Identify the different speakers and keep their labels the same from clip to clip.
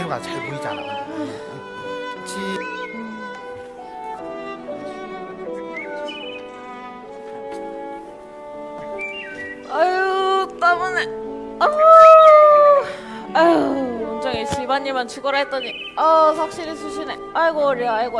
Speaker 1: 뒤로가 잘 보이잖아.
Speaker 2: 아유 땀나네. 아유 온종일 집안일만 죽어라 했더니 확실히 쑤시네. 아이고 어리야. 아이고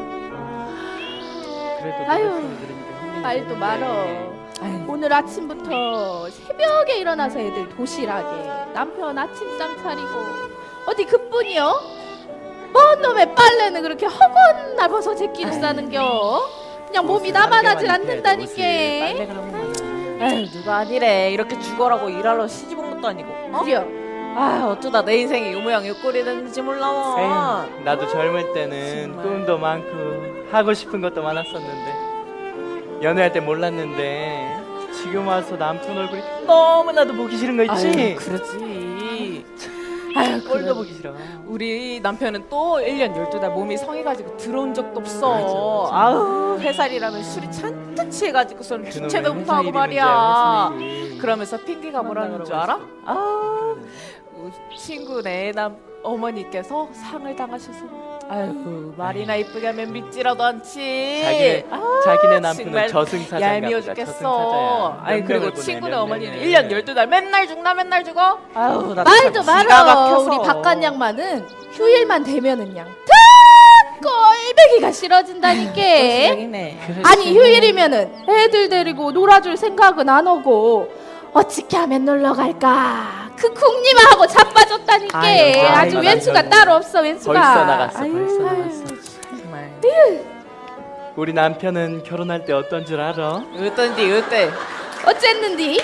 Speaker 3: 그래도
Speaker 4: 아유,
Speaker 3: 노력해서 그러니까 힘이
Speaker 4: 말도
Speaker 3: 드는데.
Speaker 4: 말어. 오늘 아침부터 새벽에 일어나서 애들 도시락에 남편 아침상 차리고 어디 그뿐이요? 뭔 놈의 빨래는 그렇게 허건 날벗어 제끼고 싸는겨? 그냥 몸이
Speaker 3: 옷을
Speaker 4: 남아나질
Speaker 3: 한 개만 입혀야지,
Speaker 4: 않는다니까.
Speaker 3: 옷을. 빨래가 너무 많아.
Speaker 2: 아유 누가 아니래. 이렇게 죽어라고 일하러 시집 온 것도 아니고.
Speaker 4: 그려.
Speaker 2: 아 어쩌다 내 인생이 요 모양 요 꼴이 됐는지 몰라.
Speaker 3: 에휴, 나도 젊을 때는
Speaker 2: 정말.
Speaker 3: 꿈도 많고 하고 싶은 것도 많았었는데 연애할 때 몰랐는데 지금 와서 남편 얼굴이 너무나도 보기 싫은 거 있지?
Speaker 2: 아유, 그러지. 아유
Speaker 3: 꼴도 보기 싫어.
Speaker 2: 우리 남편은 또 1년 12달 몸이 성해가지고 들어온 적도 없어.
Speaker 3: 맞아.
Speaker 2: 아우 회살이라면 술이 잔뜩 취해가지고선
Speaker 3: 그놈의
Speaker 2: 주체도 못하고
Speaker 3: 회사
Speaker 2: 말이야.
Speaker 3: 일이면 이제 회사 일이.
Speaker 2: 그러면서 핑계가 뭐라는 줄 알아? 아 우리 친구 내 어머니께서 상을 당하셔서 아유 말이나 이쁘게 하면 믿지라도 않지.
Speaker 3: 자기네 남편은
Speaker 2: 정말
Speaker 3: 저승사자인가
Speaker 2: 얄미워
Speaker 3: 보다.
Speaker 2: 죽겠어.
Speaker 3: 저승사자야.
Speaker 2: 아니
Speaker 3: 몇
Speaker 2: 그리고
Speaker 3: 명을 보내,
Speaker 2: 친구네
Speaker 3: 몇
Speaker 2: 어머니는
Speaker 3: 명을.
Speaker 2: 1년 12달 맨날 죽나 맨날 죽어? 아유 나
Speaker 4: 말도
Speaker 2: 진짜 기가
Speaker 4: 말어.
Speaker 2: 막혀서.
Speaker 4: 우리 바깥 양반은 휴일만 되면은 양 꼴배기가 싫어진다니까.
Speaker 2: 네.
Speaker 4: 아니 휴일이면은 애들 데리고 놀아줄 생각은 안 오고 어떻게 하면 놀러 갈까? 그 궁리만 하고 자빠졌다니까.
Speaker 3: 아유,
Speaker 4: 아주
Speaker 3: 아이고,
Speaker 4: 왼수가
Speaker 3: 아이고.
Speaker 4: 따로 없어 왼수가.
Speaker 3: 벌써 나갔어.
Speaker 4: 아유,
Speaker 3: 벌써
Speaker 4: 아유.
Speaker 3: 나갔어.
Speaker 2: 정말
Speaker 3: 우리 남편은 결혼할 때 어떤 줄 알아?
Speaker 2: 어떤지 어때?
Speaker 4: 어쨌는디?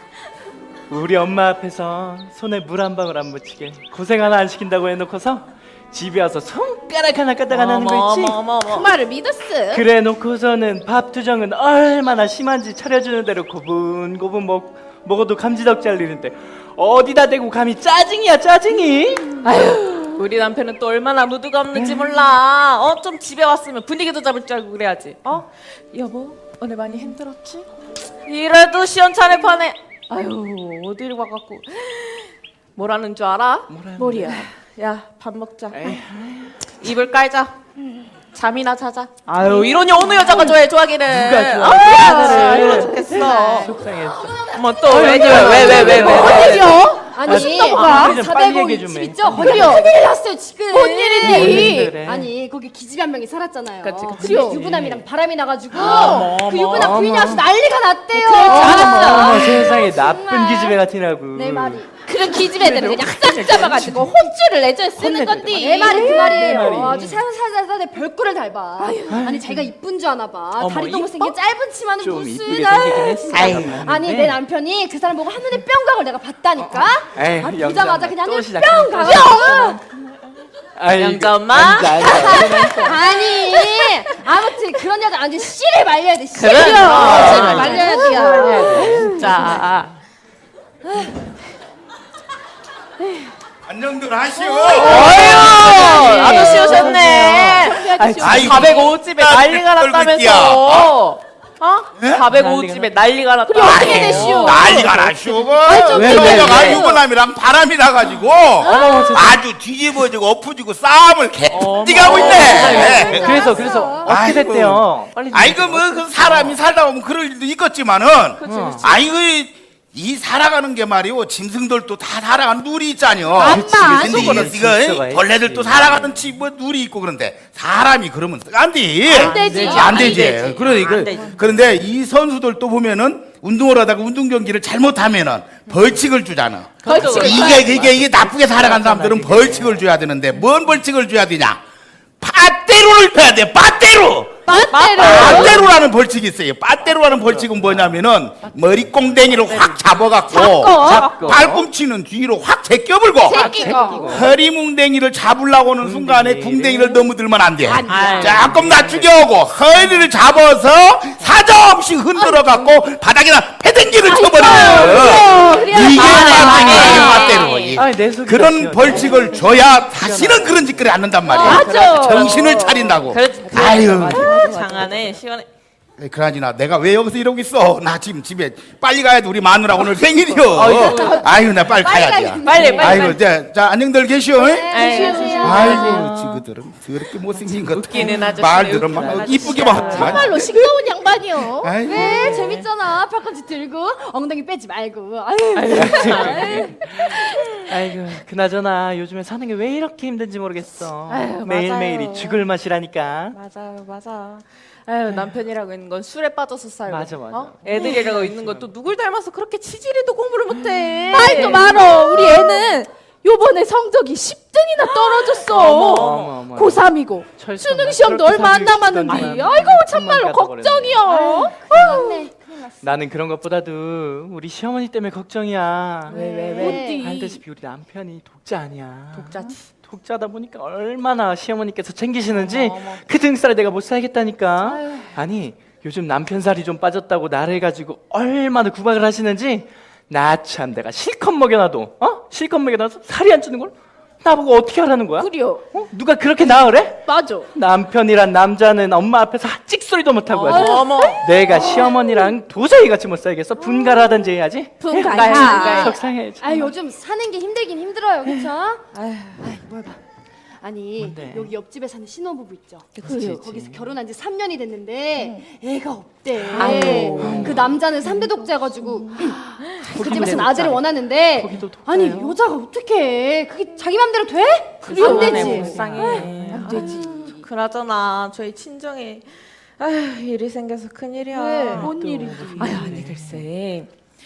Speaker 3: 우리 엄마 앞에서 손에 물 한 방울 안 묻히게 고생 하나 안 시킨다고 해놓고서 집에 와서 손가락 하나 까딱 안 하는 거 있지?
Speaker 4: 그 말을 믿었어.
Speaker 3: 그래 놓고서는 밥 투정은 얼마나 심한지 차려주는 대로 고분고분 먹어도 감지덕 잘리는데 어디다 대고 감히 짜증이야 짜증이?
Speaker 2: 아유 우리 남편은 또 얼마나 무드가 없는지 몰라. 좀 집에 왔으면 분위기도 잡을 줄 알고 그래야지. 여보 오늘 많이 힘들었지? 이래도 시원찮을 판에 아유 어디를 와갖고 뭐라는 줄 알아?
Speaker 4: 뭐리야?
Speaker 2: 야 밥 먹자. 이불 깔자. 잠이나 자자. 아유 이러니 어느 여자가 좋아하기는.
Speaker 3: 누가 좋아해?
Speaker 2: 아,
Speaker 3: 그래.
Speaker 2: 힘들어 죽겠어.
Speaker 3: 속상했어.
Speaker 2: 어머 또왜
Speaker 4: 어디요?
Speaker 5: 아니,
Speaker 4: 뭐가?
Speaker 3: 좀 빨리 얘기해 좀
Speaker 5: 집
Speaker 3: 해.
Speaker 5: 있죠?
Speaker 4: 그래요.
Speaker 5: 거기 큰일 났어요 지금.
Speaker 4: 뭔 일인데?
Speaker 3: 그래.
Speaker 5: 아니 거기 기집애 한 명이 살았잖아요.
Speaker 2: 그치, 그치.
Speaker 5: 근데 유부남이랑 바람이 나가지고
Speaker 2: 어머,
Speaker 5: 그 유부남
Speaker 2: 어머,
Speaker 5: 부인이 아주 난리가 났대요.
Speaker 3: 어머, 세상에 나쁜
Speaker 5: 정말.
Speaker 3: 기집애 같으라고.
Speaker 5: 내 말이
Speaker 4: 그런 기집애들을 그냥 싹 잡아가지고 혼쭐을 내줘야 쓰는 건데.
Speaker 5: 내 말이 그 말이에요.
Speaker 3: 말이.
Speaker 5: 아주 살살살살 내 별꼴을 닮아. 아니 자기가 이쁜 줄 아나 봐.
Speaker 2: 어머,
Speaker 5: 다리도
Speaker 2: 이뻐?
Speaker 5: 못생긴 짧은 치마는
Speaker 3: 좀
Speaker 5: 무슨
Speaker 3: 이쁘게 생기긴 했어.
Speaker 5: 아니 내 남편이 그 사람 보고 한눈에 뿅 가고 내가 봤다니까.
Speaker 3: 에이,
Speaker 5: 아,
Speaker 3: 영자
Speaker 5: 보자마자
Speaker 3: 엄마
Speaker 5: 그냥
Speaker 3: 또
Speaker 5: 뿅
Speaker 3: 시작했어.
Speaker 5: 가고.
Speaker 2: 영자 엄마?
Speaker 5: 아니 아무튼 그런 여자 완전 씨를 말려야 돼. 씨.
Speaker 2: 그래.
Speaker 4: 씨를 말려야 돼요.
Speaker 2: 진짜.
Speaker 1: 안녕들 하시오.
Speaker 2: 어휴 아저씨 오셨네.
Speaker 1: 아이고,
Speaker 2: 405집에 난리가
Speaker 1: 떨고
Speaker 2: 났다면서.
Speaker 1: 예?
Speaker 2: 405집에 난리가 났다.
Speaker 4: 어떻게 되시오?
Speaker 1: 난리가 나시오.
Speaker 3: 왜,
Speaker 1: 여자가
Speaker 3: 왜?
Speaker 1: 유부남이랑 바람이 나가지고 아주 뒤집어지고 엎어지고 싸움을 개띠가고 있네.
Speaker 3: 그래서 어떻게
Speaker 1: 아이고.
Speaker 3: 됐대요? 빨리 좀
Speaker 1: 아이고 뭐 그 사람이 살다 보면 그럴 일도 있겠지만은 아이고 이 살아가는 게 말이오 짐승들도 다 살아가는 누리 있잖여.
Speaker 4: 암만
Speaker 1: 근데
Speaker 3: 속으로
Speaker 1: 이거
Speaker 3: 있어봐야지.
Speaker 1: 벌레들도 살아가는 뭐 누리 있고 그런데 사람이 그러면 안 돼.
Speaker 4: 안 되지.
Speaker 1: 안 되지.
Speaker 2: 안 되지.
Speaker 1: 그런데 이 선수들 또 보면은 운동을 하다가 운동 경기를 잘못하면은 벌칙을 주잖아.
Speaker 2: 벌칙을
Speaker 1: 이게 나쁘게 살아간 사람들은 벌칙을 줘야 되는데 뭔 벌칙을 줘야 되냐? 빠떼로를 줘야 돼. 빠떼로.
Speaker 4: 맞대로.
Speaker 1: 빠떼로라는 벌칙이 있어요. 빠떼로라는 벌칙은 뭐냐면은 머리 꽁댕이를 확 잡아갖고
Speaker 3: 잡고.
Speaker 1: 발꿈치는 뒤로 확 제껴불고
Speaker 4: 새끼고.
Speaker 1: 허리 뭉댕이를 잡으려고 하는 순간에 궁댕이를 넘어들면 안 돼.
Speaker 4: 안
Speaker 2: 돼.
Speaker 1: 조금 낮추게 하고 허리를 잡아서 사정없이 흔들어갖고 바닥에다 패댕기를 쳐버리는
Speaker 4: 그래야
Speaker 1: 이게
Speaker 2: 아,
Speaker 1: 빠떼로.
Speaker 3: 아니, 내 속이
Speaker 1: 그런
Speaker 3: 다
Speaker 1: 벌칙을 줘야 다시는 그런 짓거리 안 한단 말이야.
Speaker 4: 맞아.
Speaker 1: 정신을 차린다고.
Speaker 2: 그렇지.
Speaker 1: 아유.
Speaker 2: 장안에 시원해.
Speaker 1: 그러지나 내가 왜 여기서 이러고 있어? 나 지금 집에 빨리 가야 돼. 우리 마누라 오늘 생일이요. 아유, 나 빨리 가야지.
Speaker 2: 빨리.
Speaker 1: 아이고, 자, 안녕들 계시오.
Speaker 2: 아이고,
Speaker 1: 아이고, 지그들은 더럽게 못생긴 것.
Speaker 2: 웃기는 아저씨.
Speaker 1: 말들은 막 이쁘게 막.
Speaker 4: 정말로 싱거운 양반이요.
Speaker 1: 아이고.
Speaker 5: 왜 재밌잖아. 팔꿈치 들고 엉덩이 빼지 말고. 아유.
Speaker 3: 아이고 그나저나 요즘에 사는 게 왜 이렇게 힘든지 모르겠어.
Speaker 2: 아유,
Speaker 3: 매일매일이
Speaker 2: 맞아요.
Speaker 3: 죽을 맛이라니까.
Speaker 2: 맞아. 아유, 남편이라고 있는 건 술에 빠져서 살고.
Speaker 3: 맞아.
Speaker 2: 애들이라고 있는 건 또 누굴 닮아서 그렇게 치질이도 공부를 못해.
Speaker 4: 말도 말어. 우리 애는 요번에 성적이 10등이나 떨어졌어.
Speaker 3: 어머.
Speaker 4: 고3이고
Speaker 3: 철수,
Speaker 4: 수능 시험도
Speaker 3: 그렇게
Speaker 4: 얼마 안
Speaker 3: 살기
Speaker 4: 남았는데
Speaker 3: 쉽지도
Speaker 4: 아이고
Speaker 3: 않네.
Speaker 4: 참말로
Speaker 3: 천만 가져버렸네.
Speaker 4: 걱정이요.
Speaker 5: 맞네. 큰일 났어.
Speaker 3: 나는 그런 것보다도 우리 시어머니 때문에 걱정이야.
Speaker 2: 왜?
Speaker 4: 어디?
Speaker 3: 알다시피 우리 남편이 독자 아니야.
Speaker 2: 독자지.
Speaker 3: 독자다 보니까 얼마나 시어머니께서 챙기시는지 그 등살에 내가 못 살겠다니까. 아니 요즘 남편 살이 좀 빠졌다고 나를 가지고 얼마나 구박을 하시는지 나 참 내가 실컷 먹여놔도 실컷 먹여놔서 살이 안 찌는 걸 나보고 어떻게 하라는 거야?
Speaker 4: 그래요.
Speaker 3: 누가 그렇게 나으래?
Speaker 4: 맞아.
Speaker 3: 남편이란 남자는 엄마 앞에서 찍소리도 못하고 하지.
Speaker 2: 어머.
Speaker 3: 내가 시어머니랑 도저히 같이 못 살겠어. 분가라든지 해야지.
Speaker 4: 분가야.
Speaker 3: 속상해야지.
Speaker 5: 아 요즘 사는 게 힘들긴 힘들어요, 그렇죠?
Speaker 2: 아유,
Speaker 5: 뭘 봐. 아니
Speaker 3: 뭔데?
Speaker 5: 여기 옆집에 사는 신혼부부 있죠.
Speaker 3: 그치.
Speaker 5: 거기서 결혼한 지 3년이 됐는데 애가 없대.
Speaker 2: 아이고.
Speaker 5: 그 남자는 3대 독자여가지고 그 집에서는
Speaker 3: 독자.
Speaker 5: 아들을 원하는데
Speaker 3: 거기도 독자예요?
Speaker 5: 아니 여자가 어떻게 그게 자기 맘대로 돼? 안 되지.
Speaker 2: 불쌍해. 안 되지. 그나저나 저희 친정에 아휴, 일이 생겨서 큰일이야.
Speaker 4: 왜? 뭔 일이지?
Speaker 2: 아유, 아니 글쎄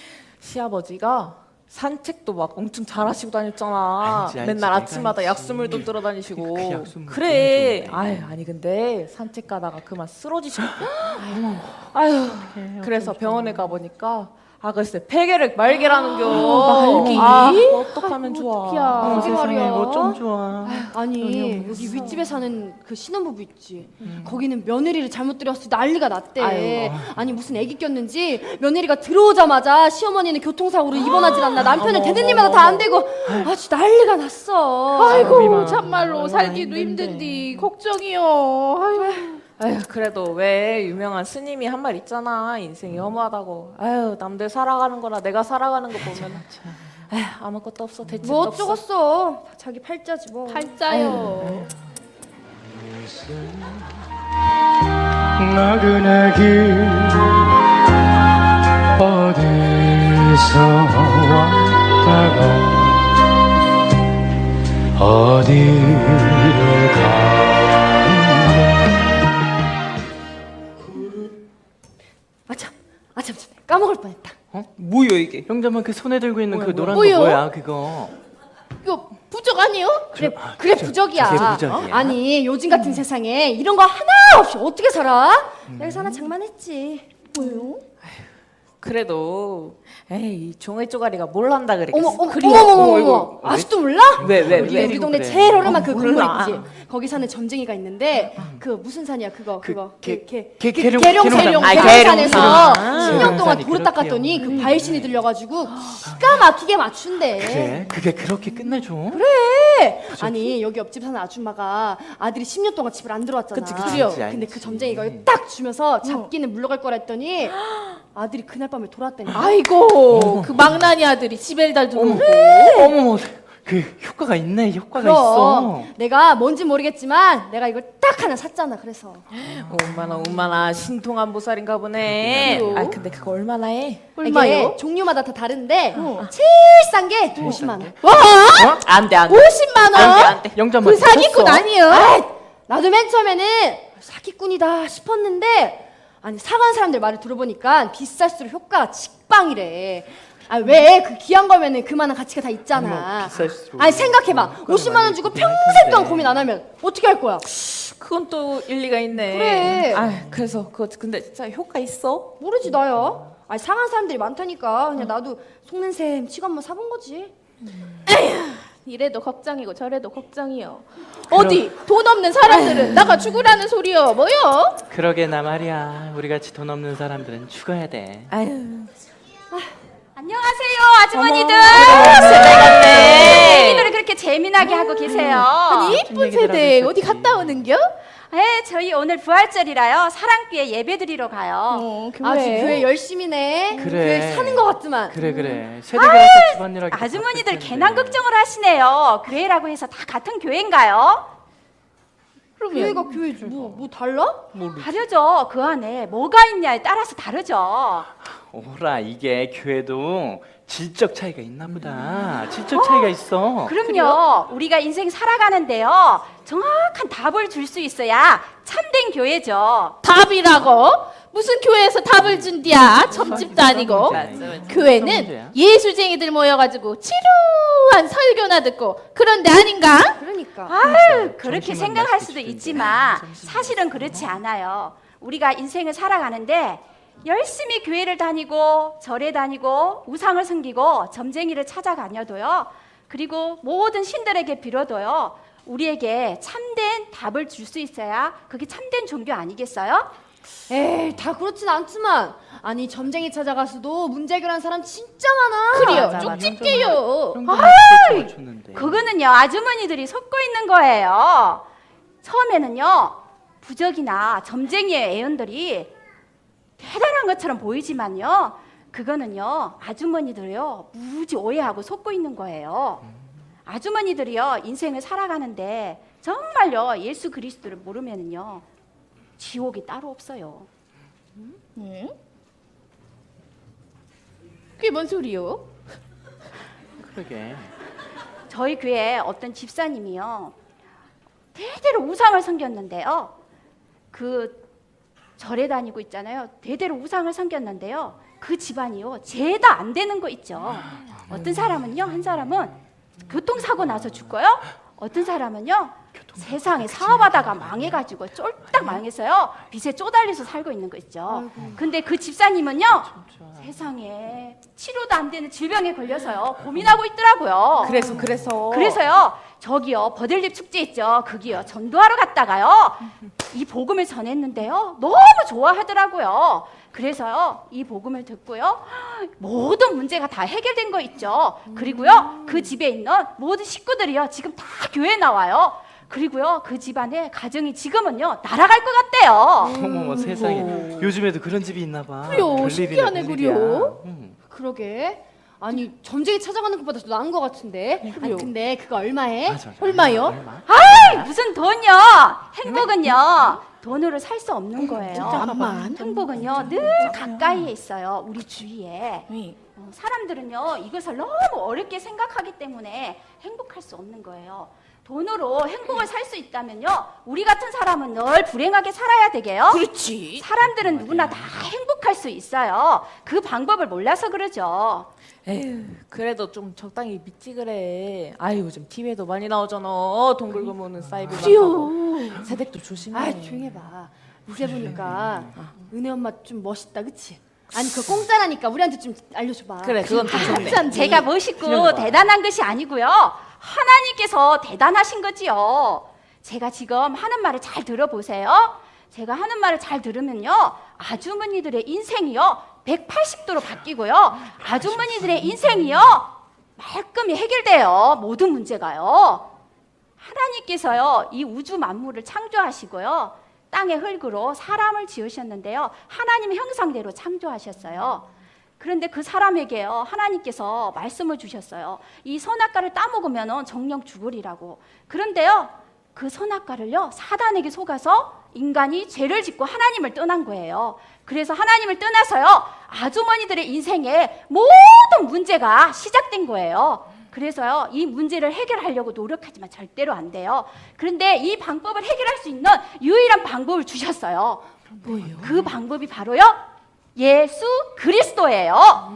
Speaker 2: 시아버지가 산책도 막 엄청 잘하시고 다녔잖아.
Speaker 3: 알지,
Speaker 2: 맨날
Speaker 3: 내가
Speaker 2: 아침마다
Speaker 3: 알지.
Speaker 2: 약수물도 들어 다니시고.
Speaker 3: 그 약수물
Speaker 2: 그래.
Speaker 3: 너무 좋은데.
Speaker 2: 아유, 아니 근데 산책 가다가 그만 쓰러지셨고. 아유, 그래서 병원에 가 보니까 글쎄 폐결핵 말기라는겨.
Speaker 4: 말기?
Speaker 2: 어떡하면 좋아.
Speaker 4: 어떡이야.
Speaker 5: 그게 말이야.
Speaker 3: 뭐좀 좋아.
Speaker 5: 아니 여기 윗집에 사는 그 신혼부부 있지. 거기는 며느리를 잘못 들였을 때 난리가 났대.
Speaker 2: 아이고.
Speaker 5: 아니 무슨 애기 꼈는지 며느리가 들어오자마자 시어머니는 교통사고로 입원하질 않나 남편은 되는 일마다 다 안 되고 아주 난리가 났어.
Speaker 4: 아이고
Speaker 3: 미마.
Speaker 4: 참말로
Speaker 2: 얼마나
Speaker 4: 살기도
Speaker 2: 힘든데.
Speaker 4: 힘든디 걱정이요. 아이고.
Speaker 2: 아휴, 그래도 왜 유명한 스님이 한 말 있잖아. 인생이 허무하다고. 아유, 남들 살아가는 거나 내가 살아가는 거 보면 아휴, 아무것도 없어. 대책도
Speaker 5: 뭐
Speaker 2: 없어.
Speaker 5: 어쩌겠어. 자기 팔자지 뭐.
Speaker 4: 팔자요.
Speaker 6: 나그네 길 어디서 왔다가 어디를 가는가
Speaker 5: 아참 까먹을 뻔했다.
Speaker 3: 뭐야 이게? 형제만 그 손에 들고 있는 그 노란
Speaker 4: 뭐요?
Speaker 3: 거 뭐야 그거?
Speaker 4: 이거 부적 아니에요?
Speaker 5: 그래 부적이야.
Speaker 3: 그게 부적이야.
Speaker 5: 아니 요즘 같은 세상에 이런 거 하나 없이 어떻게 살아? 여기서 하나 장만했지.
Speaker 4: 뭐요?
Speaker 2: 그래도 에이, 종이 쪼가리가 뭘 한다 그랬겠어.
Speaker 5: 어머 아직도 몰라?
Speaker 2: 왜?
Speaker 5: 우리 동네
Speaker 3: 그래.
Speaker 5: 제일 오랜만 그
Speaker 2: 몰라.
Speaker 5: 골목 있지. 거기 사는 점쟁이가 있는데 그 무슨 산이야 그거
Speaker 3: 계룡-
Speaker 5: 계룡산
Speaker 2: 아,
Speaker 5: 계룡산에서
Speaker 2: 계룡산.
Speaker 5: 10년 동안
Speaker 3: 계룡산이
Speaker 5: 돌을 닦았더니
Speaker 3: 그렇대요.
Speaker 5: 그 바일신이 들려가지고 기가 막히게 맞춘대.
Speaker 3: 그래? 그게 그렇게 끝내줘?
Speaker 5: 그래. 아니 여기 옆집 사는 아줌마가 아들이 10년 동안 집을 안 들어왔잖아.
Speaker 2: 그치.
Speaker 3: 알지,
Speaker 5: 근데
Speaker 3: 알지.
Speaker 5: 그 점쟁이가 딱 주면서 잡기는 물러갈 거라 했더니 아들이 그날 밤에 돌아왔다니까.
Speaker 4: 아이고 그 망나니 아들이 지벨달 들고
Speaker 3: 어머 그 효과가 있네. 효과가
Speaker 5: 그럼
Speaker 3: 있어.
Speaker 5: 내가 뭔지 모르겠지만 내가 이걸 딱 하나 샀잖아. 그래서
Speaker 2: 얼마나 신통한 보살인가 보네.
Speaker 4: 그래요?
Speaker 2: 아, 근데 그거 얼마나 해?
Speaker 4: 얼마요?
Speaker 5: 이게 종류마다 다 다른데 제일 싼 게 50만 원.
Speaker 4: 와
Speaker 2: 안 돼, 안 돼.
Speaker 4: 50만 원?
Speaker 2: 안 돼.
Speaker 3: 영자만
Speaker 4: 그 사기꾼 아니에요?
Speaker 5: 아이, 나도 맨 처음에는 사기꾼이다 싶었는데 아니 사간 사람들 말을 들어보니까 비쌀수록 효과가 직방이래. 아 왜 그 귀한 거면은 그만한 가치가 다 있잖아.
Speaker 3: 어머, 비쌀수록
Speaker 5: 아니 생각해봐.
Speaker 3: 효과가
Speaker 5: 50만 원
Speaker 3: 많이
Speaker 5: 주고
Speaker 3: 있긴 할
Speaker 5: 평생
Speaker 3: 텐데.
Speaker 5: 동안 고민 안 하면 어떻게 할 거야?
Speaker 2: 그건 또 일리가 있네.
Speaker 5: 그래.
Speaker 2: 아, 그래서 그거 근데 진짜 효과 있어?
Speaker 5: 모르지 나야. 아니 상한 사람들이 많다니까 그냥 나도 속는 셈 치고 한번 사본 거지.
Speaker 4: 이래도 걱정이고 저래도 걱정이요. 어디 돈 없는 사람들은 나가 죽으라는 소리요. 뭐요?
Speaker 3: 그러게나 말이야. 우리 같이 돈 없는 사람들은 죽어야 돼.
Speaker 2: 아유.
Speaker 7: 안녕하세요, 아주머니들.
Speaker 2: 세대 같네.
Speaker 7: 얘기들을 그렇게 재미나게 하고 계세요.
Speaker 4: 아니 이쁜
Speaker 3: 얘기들 하고
Speaker 4: 세대
Speaker 3: 있었지.
Speaker 4: 어디 갔다 오는겨?
Speaker 7: 네, 저희 오늘 부활절이라요. 사랑교회 예배드리러 가요.
Speaker 5: 아주 교회 열심히네.
Speaker 3: 그래.
Speaker 5: 교회 사는 것 같지만.
Speaker 3: 그래. 세대교회에서 집안일하기
Speaker 7: 아주머니들 괜한 걱정을 하시네요. 교회라고 해서 다 같은 교회인가요?
Speaker 5: 교회가 교회지. 뭐 달라?
Speaker 7: 다르죠. 그 안에 뭐가 있냐에 따라서 다르죠.
Speaker 3: 오라, 이게 교회도 질적 차이가 있나 보다. 질적 차이가 있어.
Speaker 7: 그럼요. 우리가 인생 살아가는데요. 정확한 답을 줄 수 있어야 참된 교회죠.
Speaker 4: 답이라고? 무슨 교회에서 답을 준디야? 점집도 아니고. 교회는 예수쟁이들 모여가지고 지루한 설교나 듣고 그런 데 아닌가?
Speaker 5: 그러니까.
Speaker 7: 아유, 그렇게
Speaker 3: 점심은
Speaker 7: 생각할
Speaker 3: 맛있게
Speaker 7: 수도
Speaker 3: 주던데.
Speaker 7: 있지만 사실은 그렇지 않아요. 우리가 인생을 살아가는데 열심히 교회를 다니고 절에 다니고 우상을 섬기고 점쟁이를 찾아다녀도요. 그리고 모든 신들에게 빌어도요. 우리에게 참된 답을 줄 수 있어야 그게 참된 종교 아니겠어요?
Speaker 5: 에이, 다 그렇진 않지만. 아니, 점쟁이 찾아가서도 문제 해결한 사람 진짜 많아.
Speaker 4: 그래요. 쪽집게요.
Speaker 3: 줬는데.
Speaker 7: 그거는요. 아주머니들이 속고 있는 거예요. 처음에는요. 부적이나 점쟁이의 애언들이 대단한 것처럼 보이지만요. 그거는요. 아주머니들이요. 무지 오해하고 속고 있는 거예요. 아주머니들이요. 인생을 살아가는데 정말요. 예수 그리스도를 모르면은요. 지옥이 따로 없어요.
Speaker 4: 응? 그게 뭔 소리요?
Speaker 3: 그러게.
Speaker 7: 저희 교회 어떤 집사님이요. 대대로 우상을 섬겼는데요. 그 절에 다니고 있잖아요. 대대로 우상을 섬겼는데요. 그 집안이요. 죄다 안 되는 거 있죠. 어떤 사람은요. 한 사람은 교통사고 나서 죽고요. 어떤 사람은요. 세상에 사업하다가 망해가지고 쫄딱 망해서요. 빚에 쪼달려서 살고 있는 거 있죠. 근데 그 집사님은요. 세상에 치료도 안 되는 질병에 걸려서요. 고민하고 있더라고요. 그래서요. 저기요. 버들잎 축제 있죠. 거기요. 전도하러 갔다가요. 이 복음을 전했는데요. 너무 좋아하더라고요. 그래서요. 이 복음을 듣고요. 모든 문제가 다 해결된 거 있죠. 그리고요. 그 집에 있는 모든 식구들이요. 지금 다 교회에 나와요. 그리고요. 그 집안의 가정이 지금은요. 날아갈 것 같대요.
Speaker 3: 어머머 세상에. 요즘에도 그런 집이 있나 봐.
Speaker 4: 그래요.
Speaker 3: 별일이네,
Speaker 4: 신기하네,
Speaker 3: 별일이야.
Speaker 4: 그래요.
Speaker 5: 그러게. 아니, 점쟁이 찾아가는 것보다 더 나은 것 같은데. 아니, 근데 그거 얼마에?
Speaker 3: 맞아.
Speaker 4: 얼마요?
Speaker 3: 얼마?
Speaker 7: 아이, 무슨 돈요? 행복은요. 돈으로 살 수 없는 거예요.
Speaker 4: 잠깐만.
Speaker 7: 행복은요. 늘 가까이에 있어요. 우리 주위에. 사람들은요. 이것을 너무 어렵게 생각하기 때문에 행복할 수 없는 거예요. 돈으로 행복을 살 수 있다면요. 우리 같은 사람은 늘 불행하게 살아야 되게요.
Speaker 4: 그렇지.
Speaker 7: 사람들은 누구나 다 행복할 수 있어요. 그 방법을 몰라서 그러죠.
Speaker 2: 에휴, 그래도 좀 적당히 믿지 그래. 아이 요즘 TV에도 많이 나오잖아. 돈 긁어 모으는 사이버
Speaker 4: 그래요.
Speaker 2: 세댁도 조심해.
Speaker 5: 아, 조용히 해봐. 이제 보니까 은혜 엄마 좀 멋있다, 그치? 아니, 그거 공짜라니까 우리한테 좀 알려줘봐.
Speaker 2: 그래, 그건 좀 좋네.
Speaker 4: 진짠데.
Speaker 7: 제가 멋있고 대단한 것이 아니고요. 하나님께서 대단하신 거지요. 제가 지금 하는 말을 잘 들어보세요. 제가 하는 말을 잘 들으면요. 아주머니들의 인생이요. 180도로 바뀌고요. 아주머니들의 인생이요. 말끔히 해결돼요. 모든 문제가요. 하나님께서요. 이 우주 만물을 창조하시고요. 땅의 흙으로 사람을 지으셨는데요. 하나님의 형상대로 창조하셨어요. 그런데 그 사람에게요. 하나님께서 말씀을 주셨어요. 이 선악과를 따먹으면 정령 죽으리라고. 그런데요. 그 선악과를요. 사단에게 속아서 인간이 죄를 짓고 하나님을 떠난 거예요. 그래서 하나님을 떠나서요. 아주머니들의 인생에 모든 문제가 시작된 거예요. 그래서요. 이 문제를 해결하려고 노력하지만 절대로 안 돼요. 그런데 이 방법을 해결할 수 있는 유일한 방법을 주셨어요.
Speaker 4: 뭐예요?
Speaker 7: 그 방법이 바로요. 예수 그리스도예요.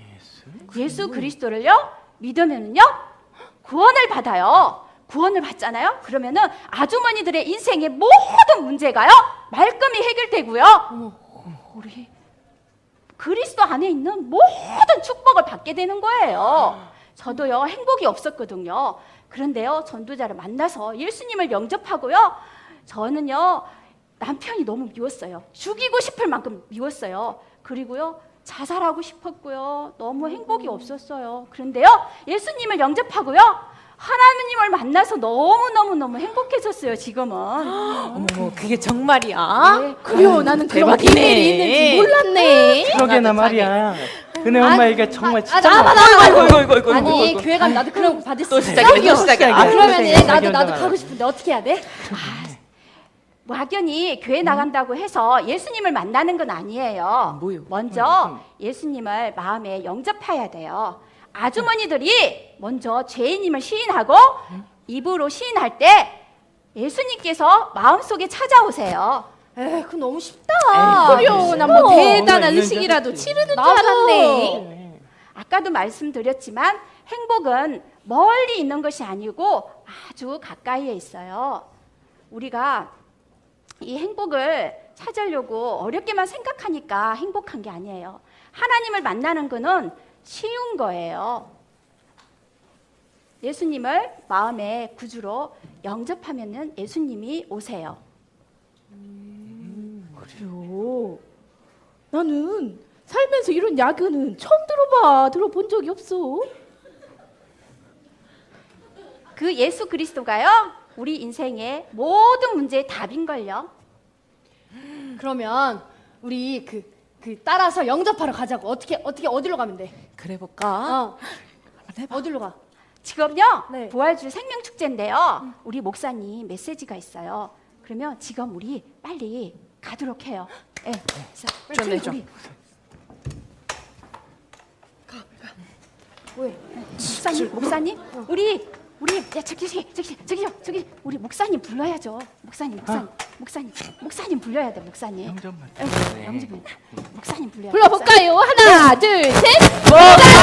Speaker 7: 예수 그리스도를요 믿으면은요 구원을 받아요. 구원을 받잖아요. 그러면은 아주머니들의 인생의 모든 문제가요 말끔히 해결되고요. 우리 그리스도 안에 있는 모든 축복을 받게 되는 거예요. 저도요 행복이 없었거든요. 그런데요 전도자를 만나서 예수님을 영접하고요. 저는요 남편이 너무 미웠어요. 죽이고 싶을 만큼 미웠어요. 그리고요 자살하고 싶었고요. 너무 행복이 없었어요. 그런데요 예수님을 영접하고요. 하나님을 만나서 너무 행복해졌어요. 지금은.
Speaker 2: 어머, 그게 정말이야?
Speaker 7: 네.
Speaker 4: 그래요. 나는 그런
Speaker 2: 대박이네.
Speaker 4: 비밀이 있는지 몰랐네.
Speaker 3: 그러게나 말이야. 은혜 엄마 얘기가 정말 진짜
Speaker 5: 나
Speaker 2: 아이고.
Speaker 5: 아니 교회 가면 나도 그런 거 받을 수
Speaker 2: 또
Speaker 5: 있어?
Speaker 2: 시작이네, 또 시작이야.
Speaker 5: 아 그러면은
Speaker 3: 자기
Speaker 5: 나도
Speaker 3: 혼자
Speaker 5: 가고 싶은데 어떻게 해야 돼?
Speaker 7: 막연히 교회 나간다고 해서 예수님을 만나는 건 아니에요.
Speaker 2: 뭐요?
Speaker 7: 먼저 예수님을 마음에 영접해야 돼요. 아주머니들이 먼저 죄인임을 시인하고 입으로 시인할 때 예수님께서 마음속에 찾아오세요.
Speaker 5: 에이 그거 너무 쉽다.
Speaker 4: 그래요. 난 뭐 대단한
Speaker 3: 이거
Speaker 4: 의식이라도
Speaker 3: 인정했지.
Speaker 4: 치르는 줄
Speaker 5: 나도.
Speaker 4: 알았네.
Speaker 7: 아까도 말씀드렸지만 행복은 멀리 있는 것이 아니고 아주 가까이에 있어요. 우리가 이 행복을 찾으려고 어렵게만 생각하니까 행복한 게 아니에요. 하나님을 만나는 거는 쉬운 거예요. 예수님을 마음의 구주로 영접하면은 예수님이 오세요.
Speaker 4: 그래요. 나는 살면서 이런 야근은 처음 들어본 적이 없어.
Speaker 7: 그 예수 그리스도가요, 우리 인생의 모든 문제의 답인걸요.
Speaker 5: 그러면 우리 그 따라서 영접하러 가자고. 어떻게 어디로 가면 돼?
Speaker 2: 그래 볼까?
Speaker 5: 어디로 가?
Speaker 7: 지금요,
Speaker 5: 네.
Speaker 7: 부활주 생명축제인데요. 우리 목사님 메시지가 있어요. 그러면 지금 우리 빨리 가도록 해요. 네. 자, 빨리
Speaker 2: 좀.
Speaker 7: 우리.
Speaker 5: 왜?
Speaker 7: 목사님, 우리 야, 저기 우리 목사님 불러야죠. 목사님 불러야 돼. 목사님.
Speaker 3: 영접만.
Speaker 7: 영접. 목사님 불러야 돼.
Speaker 4: 불러볼까요? 하나, 둘, 셋.
Speaker 2: 목사님!